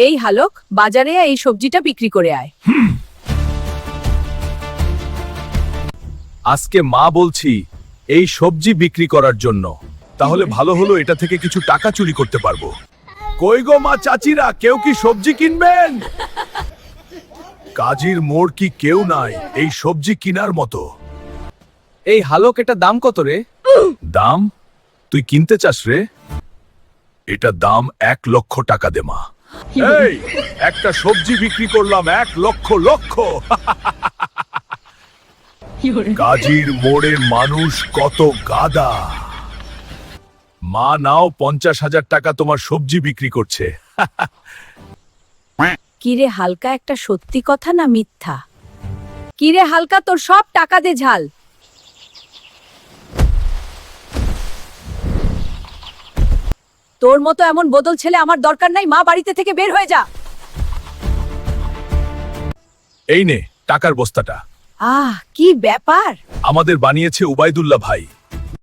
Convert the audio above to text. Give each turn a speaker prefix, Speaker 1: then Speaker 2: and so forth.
Speaker 1: এই হালক, বাজারে এই সবজিটা বিক্রি করে আয়।
Speaker 2: আজকে মা বলছি এই সবজি বিক্রি করার জন্য, তাহলে ভালো হলো এটা থেকে কিছু টাকা চুরি করতে পারবো। কই গো মা চাচিরা, কেউ কি সবজি কিনবেন? কাজীর মোড় কি কেউ নাই এই সবজি কিনার মতো?
Speaker 3: এই হালক, এটা দাম কত রে?
Speaker 2: দাম? তুই কিনতে চাস রে? এটা দাম 1,00,000 টাকা দে মা। এই একটা সবজি বিক্রি করলাম 1,00,000। কাজীর মোড়ে মানুষ কত গাদা। মা নাও 50,000 টাকা, তোমার সবজি বিক্রি করছে।
Speaker 1: কিরে হালকা, একটা সত্যি কথা না মিথ্যা? কিরে হালকা, তোর সব টাকা দে ঝাল। তোর মতো এমন বদল ছেলে আমার দরকার নাই, মা বাড়িতে থেকে বের হয়ে যা।
Speaker 2: এই নে টাকার বস্তাটা।
Speaker 1: কি ব্যাপার?
Speaker 2: আমাদের বানিয়েছে উবাইদুল্লাহ ভাই।